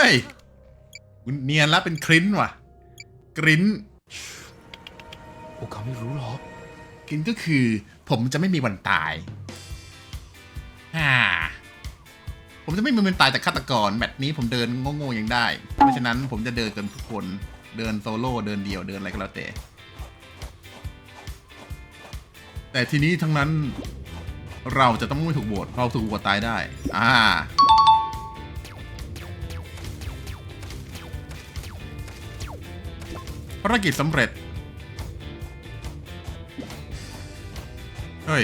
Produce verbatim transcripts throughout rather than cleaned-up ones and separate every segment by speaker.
Speaker 1: ฮ้ยเนียนแล้วเป็นคริ้นว่ะกริ้น
Speaker 2: พวกเขาไม่รู้หรอก
Speaker 1: กริ้นก็คือผมจะไม่มีวันตายฮ่าผมจะไม่มีวันตายจากฆาตกรแบบนี้ผมเดินโง่ๆยังได้เพราะฉะนั้นผมจะเดินกันทุกคนเดินโซโล่เดินเดี่ยวเดินอะไรก็แล้วแต่แต่ทีนี้ทั้งนั้นเราจะต้องไม่ถูกโหวตเราถูกโหวตตายได้อ่าภารกิจสำเร็จเฮ้ย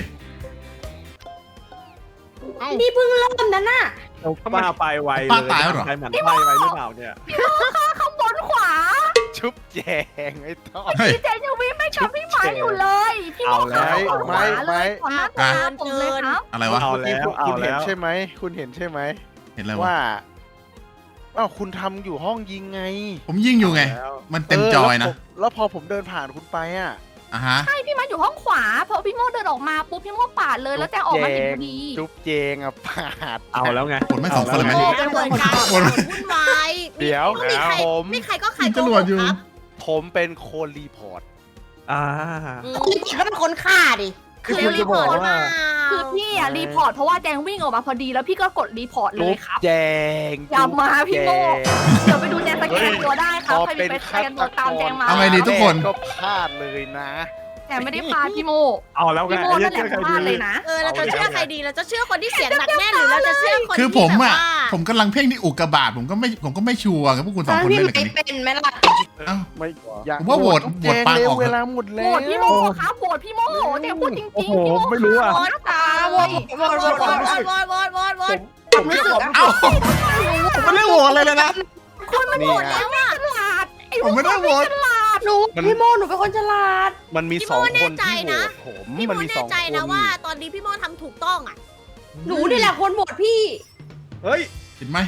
Speaker 3: นี่เพิ่งเริ่มนะน่ะ
Speaker 4: ป้าไปไวเลย
Speaker 1: ป้าตายแล้วเหรอ
Speaker 4: ใครหมันไส้ไวหรือเปล่าเนี่ย
Speaker 3: ข้างบนขวา
Speaker 2: ชุบแจงไอ้ต้อ
Speaker 1: เฮ้ย
Speaker 3: พี่เจนยังวิ่งไม่กับพี่หมาอยู่เลย พี่โม
Speaker 4: เอาแล้ว
Speaker 3: ข้างบนขวาเลยขวา
Speaker 1: อ่ะ
Speaker 3: ตามผมเลยครับ
Speaker 1: อะไรวะ
Speaker 4: เอา
Speaker 2: เมื่อ
Speaker 4: แล้
Speaker 2: กี้
Speaker 4: ว
Speaker 2: คุณ
Speaker 4: เอา
Speaker 2: คุณเห็น
Speaker 4: แล้ว
Speaker 2: ใช่ไหมคุณเห็นใช่ไหม
Speaker 1: เห็นอะไรวะ
Speaker 2: ว่าอ้าวคุณทำอยู่ห้องยิงไง
Speaker 1: ผมยิงอยู่ไง
Speaker 4: แล้ว
Speaker 1: มันเต็มจอยนะ
Speaker 2: เแล้วผมแล้วพอผมเดินผ่านคุณไปอ่ะ
Speaker 1: อ่ะฮะ
Speaker 3: ใช่พี่หมาอยู่ห้องขวาพอพี่โมเดินออกมาปุ๊บพี่โมปาดเลยแล้วแจงออกมาเห็นพอดี
Speaker 2: จุ๊บเจงอ่ะปาด
Speaker 4: เอาแล้วไง
Speaker 1: ผลไม่สองคนเลยไหม
Speaker 4: า
Speaker 5: โอ้
Speaker 4: แว
Speaker 5: เป็นเหมือนกัน
Speaker 1: คนละ
Speaker 5: วุ่นวาย
Speaker 2: เดี๋ยว
Speaker 5: ไม่มีใคร
Speaker 2: ผม
Speaker 5: ไม่ใครก็ใคร
Speaker 1: มี
Speaker 5: โก
Speaker 1: จร
Speaker 5: ห
Speaker 1: วด
Speaker 5: ก
Speaker 1: อยู่
Speaker 5: ครับ
Speaker 2: ผมเป็นโคนรีพอร์ต
Speaker 4: อ่า
Speaker 5: อืมจริงๆก็เป็นคนฆ่าดิ
Speaker 4: คือคุณจะบอกว่า
Speaker 3: คือพี่อะรีพอร์ตเพราะว่าแจงวิ่งออกมาพอดีแล้วพี่ก็กดรีพอร์ตเล
Speaker 2: จุ๊
Speaker 3: ย
Speaker 2: บ
Speaker 3: ครับ
Speaker 2: แจง
Speaker 3: อย่ามาพี่โม่
Speaker 2: จุ๊บแจง
Speaker 3: เดี๋ยวไปดูแจงสแกนตัวได้ครับ
Speaker 2: พอ
Speaker 3: ใครมี
Speaker 2: เป็น
Speaker 3: ไปส
Speaker 2: ฆา
Speaker 3: แกน
Speaker 2: ต
Speaker 3: ตัว
Speaker 2: ก
Speaker 3: ตามแจ
Speaker 2: รง
Speaker 3: มา
Speaker 1: เอาไงดีทุกคน
Speaker 2: ก็พลาดเลยนะ
Speaker 3: แจงไม่ได้พาพี่โม
Speaker 4: เอาแล้วไง
Speaker 3: พี่โม
Speaker 4: ไอ้
Speaker 3: นั่นแหละ
Speaker 4: เชื่อใคร
Speaker 3: พลาด
Speaker 4: ดี
Speaker 3: เลยนะ
Speaker 5: เออเราจะเชื่อใครดีเราจะเชื่อคนที่เสียงหนักแน่นหรือเราจะเชื่อคน
Speaker 1: คือ
Speaker 5: ที่
Speaker 1: ผม
Speaker 5: แบบ
Speaker 1: อ่ะ
Speaker 5: ว่า
Speaker 1: ผมกำลังเพ่งที่อุกกาบาตผมก็ไม่ผมก็ไม่ชัวร์กับพวกคุณสองคนเล่นอะไรกันนี่
Speaker 3: เป็นไหมล่ะ
Speaker 1: เอ้า
Speaker 2: ไม่อยาก
Speaker 1: ผมว่าโหวต
Speaker 2: จุ๊บ
Speaker 1: โหวตปาง
Speaker 2: เร็
Speaker 1: อ
Speaker 2: ว
Speaker 1: อกเถอะ
Speaker 2: เวลาหมด
Speaker 3: โห
Speaker 2: แล้ว
Speaker 3: วตพี่โมครับโหวตพี่โมแจงพูดจริงๆ
Speaker 4: โอ้
Speaker 3: พี่
Speaker 4: โห
Speaker 3: โม
Speaker 4: ไม่รู้อ่ะ
Speaker 3: หน้าตาเว้ย
Speaker 5: วอดวอดวอดวอดวอดวอดวอด
Speaker 2: ผมเชื่อผม
Speaker 1: เอ้าผมไม่ได้โหวตอะไรเลยนะ
Speaker 3: คุณมันโหวตแล้วอะฉลาดไอ้
Speaker 1: ผมไม่ได้โหวต
Speaker 3: ฉลาดหนูพี่โมหนูเป็นคนฉลาด
Speaker 2: มันมีสองคนที่โหวตผม
Speaker 5: พี่โม
Speaker 2: มันมี
Speaker 5: แน่
Speaker 2: สอง
Speaker 5: ใจ
Speaker 2: คน
Speaker 5: นะว่า ตอนนี้พี่โมทำถูกต้องอ่ะ
Speaker 3: หนูนี่แหละคนโหวตพี่
Speaker 4: เฮ้ย
Speaker 1: เห็นไหม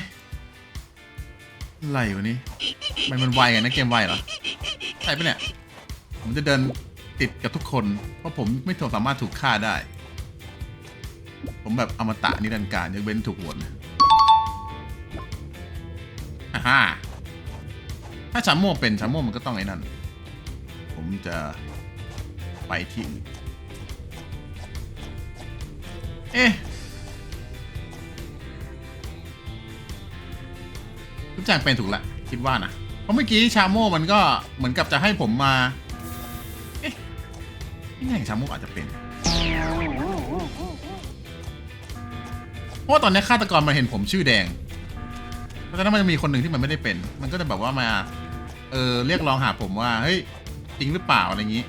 Speaker 1: อะไรวะนี่ทำไมมันไวกันนะเกมไวเหรอใช่ปะเนี่ยผมจะเดินติดกับทุกคนเพราะผมไม่ถูกสามารถถูกฆ่าได้ ผมแบบอมตะนิรันดร์การยกเว้นถูกโหวตนะอ่าฮะถ้าชาโม่เป็นชาโม่มันก็ต้องไอ้นั่นผมจะไปที่อื่นเอ๊ะทุกอย่างเป็นถูกละคิดว่านะเพราะเมื่อกี้ชาโม่มันก็เหมือนกับจะให้ผมมาเอ๊ะนี่ไงชาโม่อาจจะเป็นเพราะว่าตอนนี้ฆาตกรมาเห็นผมชื่อแดงเพราะฉะนั้นมันจะมีคนหนึ่งที่มันไม่ได้เป็นมันก็จะแบบว่ามาเออเรียกร้องหาผมว่าเฮ้ยจริงหรือเปล่าอะไรอย่างนี้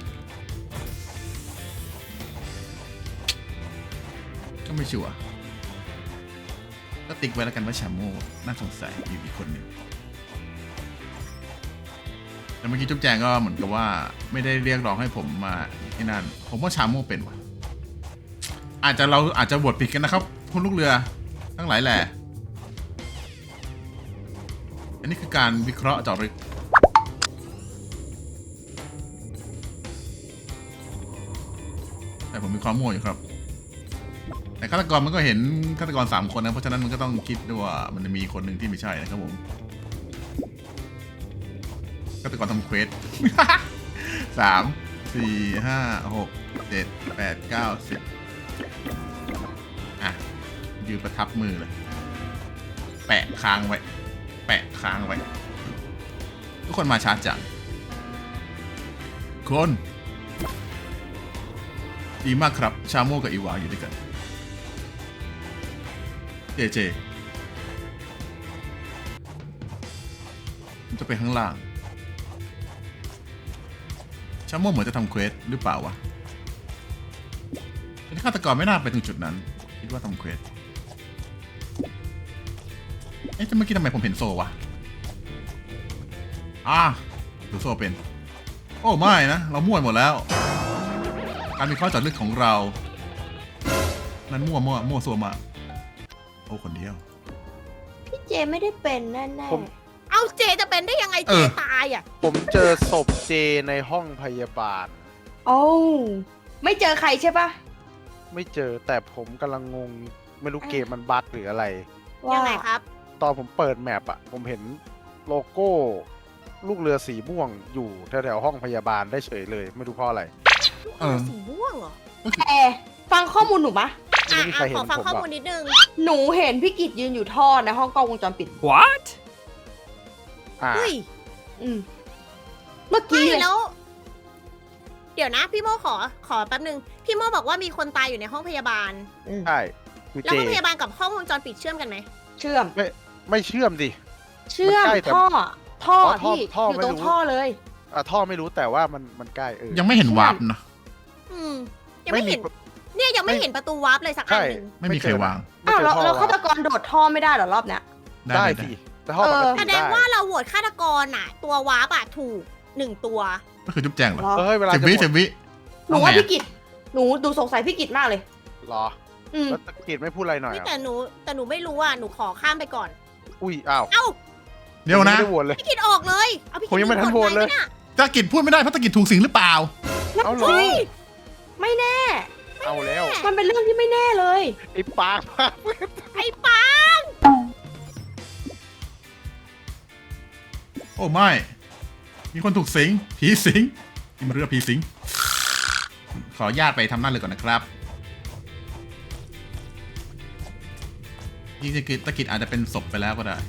Speaker 1: ก็ไม่ชัวร์ก็ติ๊กไว้แล้วกันว่าชาโม่น่าสงสัยอยู่อีกคนหนึ่งแล้วเมื่อกี้จุ๊บแจงก็เหมือนกับว่าไม่ได้เรียกร้องให้ผมมาที่นั่นผมว่าชาโม่เป็นว่ะอาจจะเราอาจจะบทผิดกันนะครับคุณลูกเรือทั้งหลายแหละอันนี้คือการวิเคราะห์เจาะลึกแต่ผมมีความโง่อยู่ครับแต่ฆาตกรมันก็เห็นฆาตกรสามคนนะเพราะฉะนั้นมันก็ต้องคิดด้วยว่ามันจะมีคนหนึ่งที่ไม่ใช่นะครับผมฆาตกรทำเควส สามสี่ห้าหกเจ็ดแปดเก้าสิบอ่ะยืนประทับมือเลยแปะค้างไว้แปะค้างไว้ทุกคนมาช้าจังคนดีมากครับชาโม่กับอีวาอยู่ด้วยกันเจเจมันจะไปข้างล่างชาโม่เหมือนจะทำเควสหรือเปล่าวะแต่ฆาตกรไม่น่าไปถึงจุดนั้นคิดว่าทำเควสเอ๊ะแต่เมื่อกี้ทำไมผมเห็นโซวะอ่าหรือโซเป็นโอ้ไม่นะเรามั่วหมดแล้วการมีข้อเจาะลึกของเรานั้นมั่วมั่วมั่วซัวมาโอ้คนเดียว
Speaker 3: พี่เจไม่ได้เป็นแน่
Speaker 2: ผม
Speaker 5: เอาเจจะเป็นได้ยังไง
Speaker 1: เอ
Speaker 5: เจ
Speaker 1: อ
Speaker 5: ตายอ่ะ
Speaker 2: ผมเจอศพเจในห้องพยาบาล
Speaker 3: ๆโอ้ไม่เจอใครใช่ปะ
Speaker 2: ไม่เจอแต่ผมกำลังงง ไม่รู้เกมมันบั๊กหรืออะไร
Speaker 5: ยังไงครับ
Speaker 2: ตอนผมเปิดแมปอะผมเห็นโลโก้ลูกเรือสีม่วงอยู่แถวๆห้องพยาบาลได้เฉยเลย ไม่รู้เพราะอะไร
Speaker 1: เออ
Speaker 5: สีม่วงเหรอ
Speaker 6: แต่ฟังข้อมูลหนูปะ
Speaker 5: อ่ะ
Speaker 2: ไม่มีใคร
Speaker 5: อ่ะ
Speaker 2: เห็น
Speaker 5: ขอฟัง
Speaker 2: ผม
Speaker 5: ข้อ
Speaker 2: หรอก
Speaker 5: มูลนิดนึง
Speaker 6: หนูเห็นพี่กิจยืนอยู่ท่อในห้องกล้องวงจรปิด
Speaker 7: What
Speaker 2: อ่า
Speaker 5: เฮ้ย
Speaker 6: อืมเมื่อ
Speaker 5: ไม่
Speaker 6: กี้เลย
Speaker 5: แล้ว เดี๋ยวนะ พี่โมขอขอแป๊บนึง พี่โมบอกว่ามีคนตายอยู่ในห้องพยาบาล
Speaker 2: ใช่คือ
Speaker 5: แล้ว
Speaker 2: เจ
Speaker 5: ห้องพยาบาลกับห้องวงจรปิดเชื่อมกันไหม
Speaker 6: เชื่อม
Speaker 2: ไม่เชื่อมดิ
Speaker 6: เชื่อม
Speaker 2: มันใกล้แต่
Speaker 6: ท่อ ท่อ
Speaker 2: อ๋อท่อ
Speaker 6: ที่
Speaker 2: ท่อ
Speaker 6: อยู่
Speaker 2: ไม่
Speaker 6: ตรง
Speaker 2: รู้
Speaker 6: ท่อเลย
Speaker 2: อ่ะท่อไม่รู้แต่ว่ามันมันใกล้เออ
Speaker 1: ยังไม่เห็นวาร์ปนะ
Speaker 5: อืม ยังไม่เห็น เนี่ยยังไม่เห็นประตูวาร์ปเลยสักอัน
Speaker 2: ใช่
Speaker 5: หนึ่ง
Speaker 1: ไม่มีใครวาง
Speaker 2: ไม่
Speaker 6: อ้าว
Speaker 2: เจ
Speaker 6: แล้ว
Speaker 2: ท่
Speaker 6: แล้วฆาต
Speaker 2: วะ
Speaker 6: กรโดดท่อไม่ได้เหรอรอบเนี้ย
Speaker 1: ได้
Speaker 2: ได้
Speaker 1: ได้
Speaker 2: สิแต่ท่อปก
Speaker 6: เออ
Speaker 2: ติ
Speaker 5: แสด
Speaker 2: ได้
Speaker 5: งว่าเราโหวตฆาตกรอ่ะ ตัววาร์ปอ่ะถูกหนึ่งตัว
Speaker 1: ก็คือจุ๊บแจงเหรอ
Speaker 6: เหรอ
Speaker 2: เฮ้ยเวลา
Speaker 1: สิบ
Speaker 2: จะ
Speaker 1: วิ
Speaker 2: หม
Speaker 1: สิ
Speaker 2: ด
Speaker 1: บวิ
Speaker 6: หนูว่าพี่กิจหนูดูสงสัยพี่กิจมากเลย
Speaker 2: เหรอ
Speaker 6: อืม
Speaker 2: แล้วตะกิดไม่พูดอะไรหน่อย
Speaker 5: นี่
Speaker 2: อ่ะ
Speaker 5: แต่หนูแต่หนูไม่รู้อ่ะ หนูขอข้ามไปก่อน
Speaker 2: อุ้ยอ้าว
Speaker 5: เอ้า
Speaker 1: เดี๋ยวนะ
Speaker 2: ไม่ได้โหวตเลย
Speaker 5: พี่กิดออกเลย เอาพี่กิ
Speaker 2: ผมยังไม่ทันโหวตเลย
Speaker 5: ไปนี่
Speaker 1: ตะกิดพูดไม่ได้เพราะตะกิดถูกสิงหรือเปล่า
Speaker 2: เอาเหรอ
Speaker 6: เฮ้ยไม่แน่
Speaker 2: เอาแล้ว
Speaker 6: มันเป็นเรื่องที่ไม่แน่เลย
Speaker 2: ไอ้ปากปาก
Speaker 5: ไอ้ปา
Speaker 1: โอ้ไม่ มีคนถูกสิง ผีสิงนี่มันเรื่องผีสิง ขออนุญาตไปทำหน้าเลยก่อนนะครับนี่ตะกิดตะกิดอาจจะเป็นศพไปแล้วก็ได้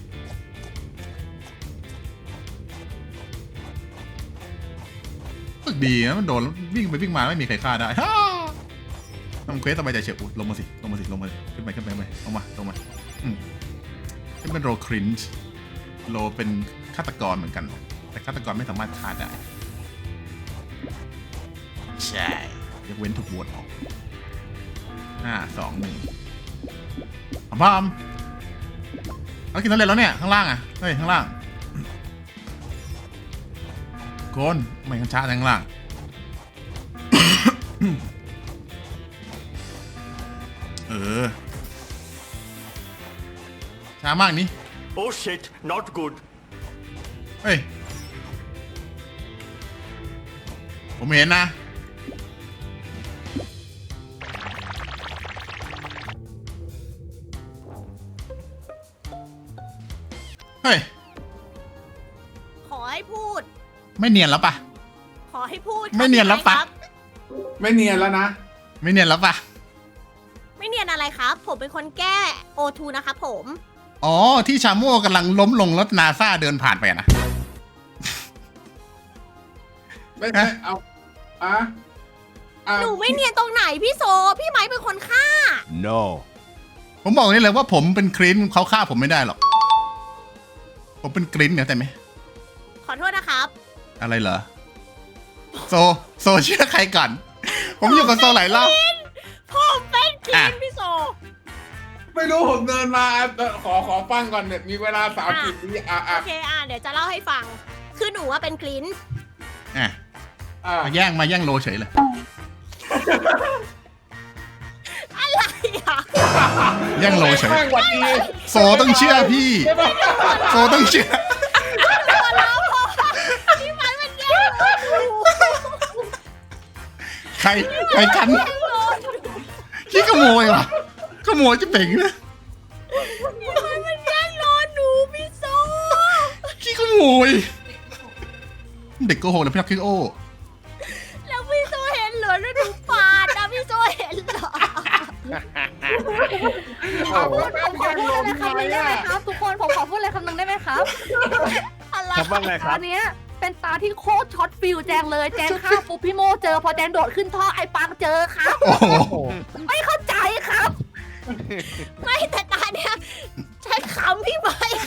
Speaker 1: ฝึกดีนะมันโดนวิ่งไปวิ่งมาไม่มีใครฆ่าได้ฮ่าทำเควสสบายใจเฉียบอุ๊ยลงมาสิลงมาสิลงมาขึ้นไปขึ้นไปขึ้นไปลงมาลงมาอืมนี่เป็นโรครินช์โรเป็นฆาตกรเหมือนกัน แต่ฆาตกรไม่สามารถฆ่าได้ใช่ยกเว้นถูกโหวตออกห้าสองหนึ่งพร้อมเอากินน้ำเล็ดแล้วเนี่ยข้างล่างอ่ะเฮ้ยข้างล่างโกนไม่กันช้าข้างล่าง เออช้ามากนี่
Speaker 7: Oh shit not good
Speaker 1: เฮ้ย ผมเห็นนะ เฮ้ย
Speaker 5: ขอให้พูด
Speaker 1: ไม่เนียนแล้วปะ
Speaker 5: ขอให้พูด
Speaker 1: ไม่เนียนแล้วปะ
Speaker 5: ครับ
Speaker 8: ไม่เนียนแล้วนะ
Speaker 1: ไม่เนียนแล้วปะ
Speaker 5: ไม่เนียนอะไรครับ ผมเป็นคนแก้โอทูนะครับผม
Speaker 1: อ๋อ ที่ชาโม่กำลังล้มลงแล้วนาซาเดินผ่านไปอะนะ
Speaker 8: ไม่ไม่เอาอ่ะอ่ะ
Speaker 5: หนูไม่เนียนตรงไหนพี่โซ พี่ไม้เป็นคนฆ่า
Speaker 7: No
Speaker 1: ผมบอกนี่เลยว่าผมเป็นครินเขาฆ่าผมไม่ได้หรอก ผมเป็นกรินเนี่ยแต่ไหม
Speaker 5: ขอโทษนะครับ
Speaker 1: อะไรเหรอ โซ โซเชื่อใครก่อน ผมอยู่กับโซหลายรอบ
Speaker 5: ผมเป็นคลี
Speaker 1: อ่ะ
Speaker 5: นพี่โซ
Speaker 8: ไม่รู้ผมเดินมาเอ่อขอขอฟังก่อนเนี่ยมีเวลาสามสิบวิอ่ะ
Speaker 5: โอ
Speaker 8: อ่ะ
Speaker 5: เคอ่ะเดี๋ยวจะเล่าให้ฟัง คือหนูว่าเป็นคลีน
Speaker 1: อ่ะ
Speaker 8: อ่ะ
Speaker 1: มาแย่งมาแย่งโลเฉยเลย
Speaker 5: อะไรอ่ะ
Speaker 1: แย่งโลเฉย
Speaker 8: แม่งหวัดดี
Speaker 1: โซต้องเชื่อพี่ โซต้องเชื่อ
Speaker 5: พี่ไม้มันแย่งโอทู
Speaker 1: ใครใครกันขี้ขโมยวะขโมยจะเป่งนะ
Speaker 5: พี่ไม้มันแย่งโลหนูพี่โซ
Speaker 1: ขี้ขโมย เด็กโกหกแล้วพี่นักคิดโอ้
Speaker 5: แล้วพี่โซเห็นเหรอแล้วหนูปาดนะพี่โซเห็นเหรอ
Speaker 8: เอาแม่
Speaker 3: ผม
Speaker 8: ง
Speaker 3: ขอ
Speaker 8: แย่ง
Speaker 3: พู
Speaker 8: ล
Speaker 3: ด
Speaker 8: ม
Speaker 3: อะไรคำห
Speaker 8: เล
Speaker 3: นึ่
Speaker 8: ย
Speaker 3: งได้ไหม
Speaker 8: อ่ะ
Speaker 3: ครับ ทุกคนผมขอพูดอะไรคำหนึ่งได้ไหมครับ
Speaker 5: อะไร
Speaker 4: ทำบ้างไงครับ
Speaker 3: ตอนเนี้ยเป็นตาที่โคตรช็อตฟิลแจงเลยแจงฆ่าปุ๊บพี่โมเจอพอแจงโดดขึ้นท่อไอ้ปังเจอครับ
Speaker 1: โอ้โห
Speaker 3: ไม่เข้าใจครับ
Speaker 5: ไม่แต่ตาเนี่ยฉันขำพี่ไม้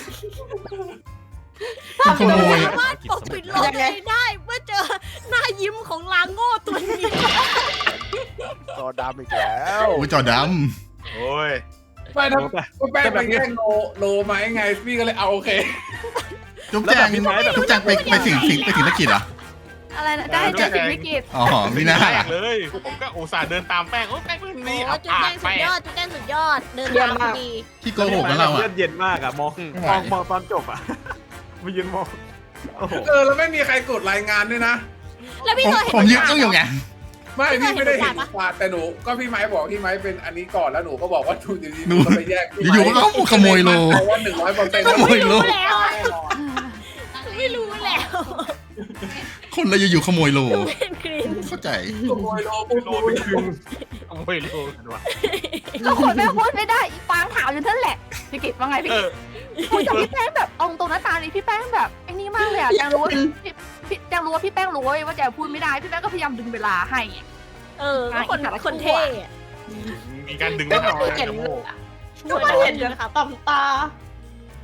Speaker 1: ขี้ขโมย
Speaker 5: สามารถปกปิดโลกตัวเองได้เมื่อเจอหน้ายิ้มของลางโง่ตัวนี้
Speaker 2: จอดำอีกแล้ว
Speaker 1: โอ้ยจอด
Speaker 4: โอ้ย
Speaker 8: ไม่ทำก็แป้งไปแย่งโลโลมาไงพี่ก็เลยเอาโอเค
Speaker 1: ำจุ๊บแจง
Speaker 4: แล้วแบบพี่ไม้แบบ
Speaker 1: จุ๊บแจงไปไปถึงสิงไปถึงนักกิจเหรอ
Speaker 3: อะไรนะได้เจอสิ่งวิกฤต
Speaker 1: อ๋อมีหน้า
Speaker 4: แป้งเลย ผมก็อุตส่าห์เดินตามแป้งโอ้แป้งรุ่น
Speaker 5: โอ้
Speaker 4: นี้
Speaker 5: จุดแดงสุดยอดจุดแดงสุดยอด เดินตามพอดี
Speaker 1: ที่โกหกกันเรา
Speaker 4: เลื
Speaker 1: อ่ะ
Speaker 4: อดเย็นมากอะมอง
Speaker 1: ไม่ไหว
Speaker 4: มองมองตอนจบอะมายืนมองโอ้โห
Speaker 8: เออแล้วไม่มีใครกดรายงานด้วยนะ
Speaker 5: แล้วพี่
Speaker 1: ผม
Speaker 5: โซเห็น
Speaker 1: ผมยืนต้องอยู่ไง
Speaker 8: ไม่พี่ไม่ได้เห็น
Speaker 5: ปะ
Speaker 8: ปาดแต่หนูก็พี่ไม้บอกพี่ไม้เป็นอันนี้ก่อนแล้วหนูก็บอกว่าหนูอยู่ดีๆ
Speaker 1: หนู
Speaker 8: ก็ไปแยก
Speaker 1: อยู่ๆมันก็ขโมยโล
Speaker 8: เพราะว่าหนึ่งร้อยเปอร์เซ็นต์
Speaker 1: ขโมยโล
Speaker 5: แล้วอะไม่รู้แล้ว
Speaker 1: คนเราอยู่ๆขโมยโล
Speaker 5: ดูเป็นกรีน
Speaker 1: เข้าใจ
Speaker 8: ขโมยโลปุ๊บ
Speaker 4: โลไปครึ่งขโมยโลกันวะ
Speaker 3: ก็คนแม่งพูดไม่ได้อีฟางถามอยู่นั่นแหละพี่กิตว่าไงพี่
Speaker 4: เอ
Speaker 3: กิต
Speaker 4: อ
Speaker 3: คุยกับพี่แป้งแบบเอาตรงหน้าตานี่พี่แป้งแบบไอ้นี่มากเลยอะแจงรู้ว่าพี่พี่แจงรู้ว่าพี่แป้งรู้เว้ยว่าแจงพูดไม่ได้พี่แป้งก็พยายามดึงเวลาให้อะ
Speaker 5: เออก็คน
Speaker 3: อ่ะ
Speaker 5: คนเท่อะ
Speaker 4: มีการดึง
Speaker 6: ก็
Speaker 4: ไม่หน่อย
Speaker 6: ไม่เห็น
Speaker 4: นะโม
Speaker 6: เลยอะก็ไม่เห็นเลยค่ะตำตา